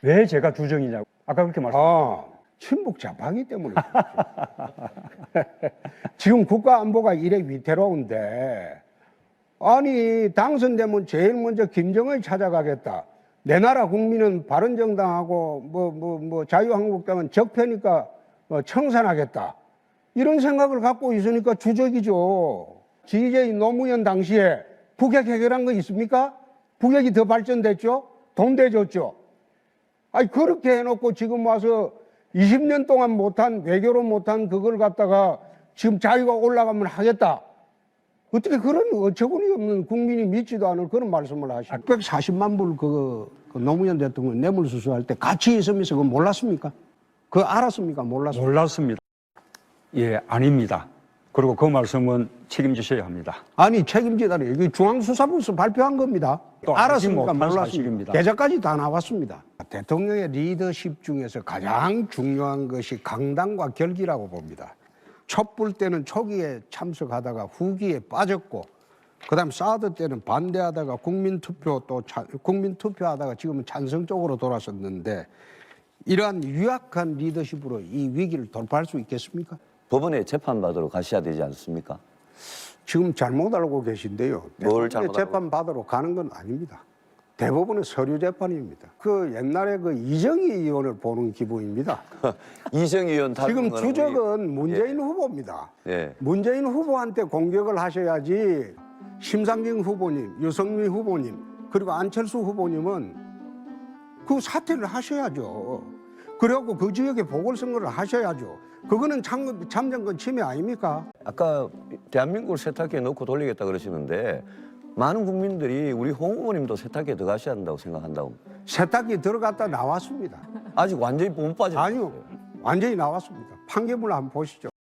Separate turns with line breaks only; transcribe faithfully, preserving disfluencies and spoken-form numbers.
왜 제가 주정이냐고. 아까 그렇게 말씀.
아, 친북 좌파기 때문에. 지금 국가 안보가 이래 위태로운데, 아니, 당선되면 제일 먼저 김정을 찾아가겠다. 내 나라 국민은 바른정당하고 뭐, 뭐, 뭐, 자유한국당은 적폐니까 뭐 청산하겠다. 이런 생각을 갖고 있으니까 주적이죠. 지제이 노무현 당시에 북핵 해결한 거 있습니까? 북핵이 더 발전됐죠? 돈 대줬죠? 아니, 그렇게 해놓고 지금 와서 이십 년 동안 못한, 외교로 못한 그걸 갖다가 지금 자유가 올라가면 하겠다. 어떻게 그런 어처구니 없는 국민이 믿지도 않을 그런 말씀을 하시죠. 백사십만 불 그, 그 노무현 대통령 뇌물수수할 때 같이 있으면서 그거 몰랐습니까? 그거 알았습니까? 몰랐습니까?
몰랐습니다. 예, 아닙니다. 그리고 그 말씀은 책임지셔야 합니다.
아니, 책임지다니. 이게 중앙수사부에서 발표한 겁니다.
또 알지
알았습니까?
못한
몰랐습니다.
사실입니다.
계좌까지 다 나왔습니다. 대통령의 리더십 중에서 가장 중요한 것이 강당과 결기라고 봅니다. 촛불 때는 초기에 참석하다가 후기에 빠졌고, 그 다음 사드 때는 반대하다가 국민투표 또 차, 국민투표하다가 지금은 찬성 쪽으로 돌아섰는데, 이러한 유약한 리더십으로 이 위기를 돌파할 수 있겠습니까?
법원에 재판받으러 가셔야 되지 않습니까?
지금 잘못 알고 계신데요.
뭘 잘못 알고?
재판 받으러 가는 건 아닙니다. 대법원은 서류 재판입니다. 그 옛날에 그 이정희 의원을 보는 기분입니다.
이정희 의원
지금
거는
주적은 문재인
예.
후보입니다.
예.
문재인 후보한테 공격을 하셔야지 심상정 후보님, 유승민 후보님, 그리고 안철수 후보님은 그 사퇴를 하셔야죠. 그리고 그 지역에 보궐선거를 하셔야죠. 그거는 참, 참정권 침해 아닙니까?
아까 대한민국을 세탁기에 넣고 돌리겠다 그러시는데 많은 국민들이 우리 홍 후보님도 세탁기에 들어가셔야 한다고 생각한다고.
세탁기 들어갔다 나왔습니다.
아직 완전히 못 빠졌어요.
아니요, 완전히 나왔습니다. 판결문을 한번 보시죠.